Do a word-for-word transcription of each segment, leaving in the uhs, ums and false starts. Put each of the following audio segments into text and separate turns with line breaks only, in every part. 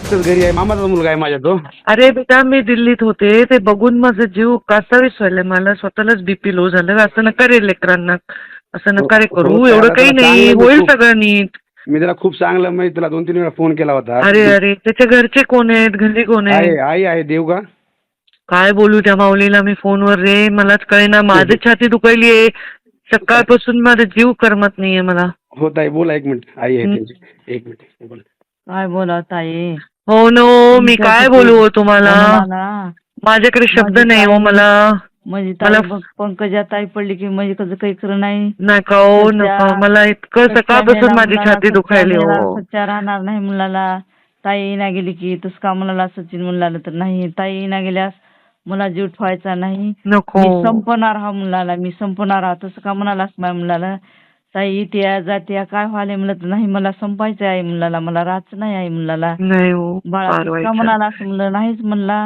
एकटाच घरी आहे, मामाचा मुलगा आहे माझ्या तो.
अरे बेटा मी दिल्लीत होते, ते बघून माझं जीव कासावीस व्हायला, मला स्वतःलाच बीपी लो झालं. असं नका रे लेकरांना, असं नका रे
हो,
करू,
हो,
एवढं
त्याला-
काही
त्याला
नाही,
चांगलं मी
होईल
खूप-
सगळं नीट.
मी त्याला खूप चांगलं म्हणजे तुला दोन तीन वेळा फोन केला होता.
अरे अरे त्याच्या घरचे कोण आहेत, घरी कोण
आहे
आहे?
आई आहे देव का.
काय बोलू त्या माऊलीला मी फोनवर रे, मलाच कळेना, माझी छाती दुखायली आहे सकाळपासून, माझा जीव करमत नाहीये मला.
हो ताई बोला, एक मिनिट आई आहे
हं.
त्यांची, एक मिनिट बोला.
काय बोला ताई,
हो नो, मी काय बोलू हो तुम्हाला,
मला
माझ्याकडे शब्द
माझी
नाही हो
ताई-
मला.
म्हणजे
मला
ताई बघ, पंकजा ताई पडली की म्हणजे कसं काही खरं नाही.
नका हो
सच्चा-
नका, मला इतकं
सच्चा
सकाळपासून
मेला
माझी
मुलाला,
छाती
सच्चा
दुखायली
मेला,
हो.
सच्चा राहणार नाही मुलाला. ताई ना गेली की तस का मुलाला सचिन मुलाला तर नाही, ताई ना गेल्यास मला जीव ठेवायचा नाही,
नको
मी संपणार हा मुलाला, मी संपणार हा, तसं का म्हणालास माझ्या मुलाला. ताई त्या जात्या काय व्हायला म्हणलं तर नाही, मला संपायचं आहे मुलाला, मला राहायचं नाही आहे मुलाला.
नाही हो,
बाळा
फार
तसं
वाईट
का
झालं.
म्हणाला असं म्हणलं, नाहीच म्हणला.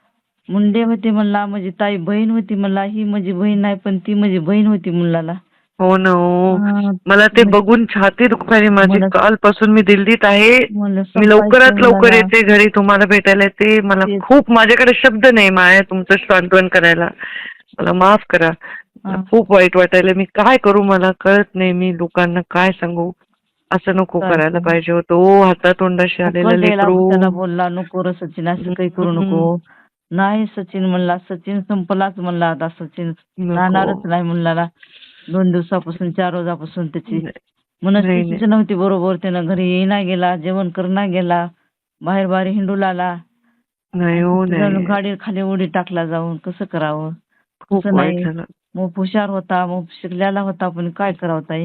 मुंडे होते म्हणला, माझी ताई बहीण होती म्हणला, ही माझी बहीण नाही पण ती माझी बहीण होती मुलाला.
हो ना हो,
हा,
मला ते
मग-
बघून छाती दुखायली माझी.
मला-
कालपासून मी दिल्लीत आहे,
म्हणलं
मी लवकरात
संपायचं
लवकर
मुलाला.
येते घरी तुम्हाला भेटायला येते. मला
तेच.
खूप, माझ्याकडे शब्द नाही माया तुमचं सांत्वन करायला, मला माफ करा. मला
हा.
खूप वाईट वाटायला, मी काय करू मला कळत नाही, मी लोकांना काय सांगू. असं नको
काय
करायला
करू?
पाहिजे होतं ओ, हातातोंडाशी आलेलं
कळलेला
लेकरू.
त्याला बोलला, नको रे सचिन असं काही करू नको. नाही सचिन म्हणला, सचिन संपलाच म्हणला, आता सचिन
नको.
राहणारच नाही मुलाला. दोन दिवसापासून चार रोजापासून त्याची
नाही,
मनस्थितीच नव्हती बरोबर, त्यानं घरी येईना गेला, जेवण करणा गेला, बाहेर बाहेर हिंडू लागला.
नाही हो नाही,
गाडी खाली उडी टाकला जाऊन, कसं करावं.
खूप
तसं
वाईट
नाही,
झालं.
मग हुशार होता, मग शिकलेला होता, पण काय करावं ताई.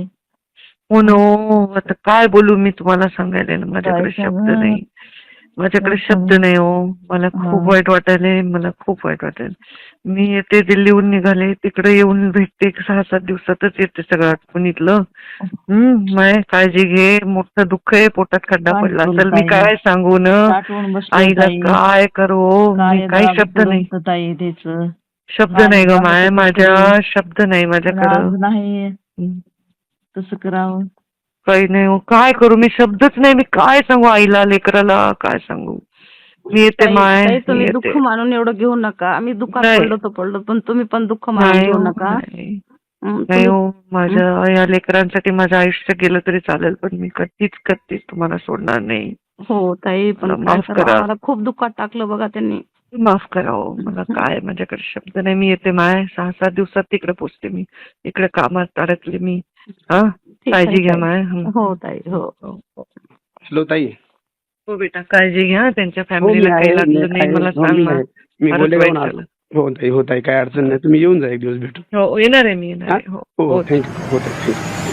हो नो, आता काय बोलू मी तुम्हाला सांगायला ना, माझ्याकडे
काय
शब्द
सांगू?
नाही, माझ्याकडे
काय
शब्द
सांगू?
नाही हो. मला
हा.
खूप वाईट वाटायलंय, मला खूप वाईट वाटायला. मी येते दिल्लीहून निघाले, तिकडे येऊन भेटते, सहा सात दिवसातच येते सगळं आटपून इथलं. हम्म, माय काळजी घे, मोठं दुःख आहे, पोटात खड्डा
काय
पडला
करू
असेल, मी
ताई?
काय सांगू न
साठवून बसलोय
आईला,
ताई.
काय करू, मी
काय
काही
दाब
शब्द नाही,
करून ताई त्याचं.
शब्द
काय
नाही ग
दाब
माय,
करून
माझ्या
ताई.
शब्द नाही
पण
माझ्याकडं.
आज नाही,
हम्म.
तसं करावं.
काही नाही हो, काय करू मी, शब्दच नाही, मी काय सांगू आईला, लेकराला काय सांगू. मी येते
ताई
माय,
ताई,
मी
तुम्ही
येते.
दुःख मानून एवढं घेऊ नका. आम्ही दुःखात
नाही.
पडलो तर पडलो, पण तुम्ही पण दुःख मानून
नाही
घेऊ
हो,
नका.
नाही.
हं,
नाही
तुम्ही-
हो, माझ्या या लेकरांसाठी माझं आयुष्य गेलं तरी चालेल, पण मी कधीच कधीच तुम्हाला सोडणार नाही.
हो ताई, पण
मला
काय
माफ
करावं,
करा.
आम्हाला खूप दुःखात टाकलं बघा त्यांनी.
माफ करा हो, मला काय, माझ्याकडे शब्द नाही. मी येते माय, सहा सात दिवसात तिकडे पोचते मी, इकडे कामात अडकले मी. हा,
ठीक आहे,
काळजी घ्या
ताई.
माय. हं.
हो ताई, हो.
हो, हो.
हॅलो ताई.
हो बेटा, काळजी घ्या, त्यांच्या
हो मी
फॅमिलीला
आहे,
काही
मी
लागलं नाही
आहे.
मला
हो,
सांग
मी
ना.
आहे. मी
फारच
बोलले
वाईट
जाऊन
झालं.
हो ताई, हो ताई, काय अडचण नाही, तुम्ही येऊन जा एक दिवस भेटू.
हो येणार आहे मी, येणार
हा?
आहे. हो
हो
हो
थँक्यू, हो ताई, थँक्यू.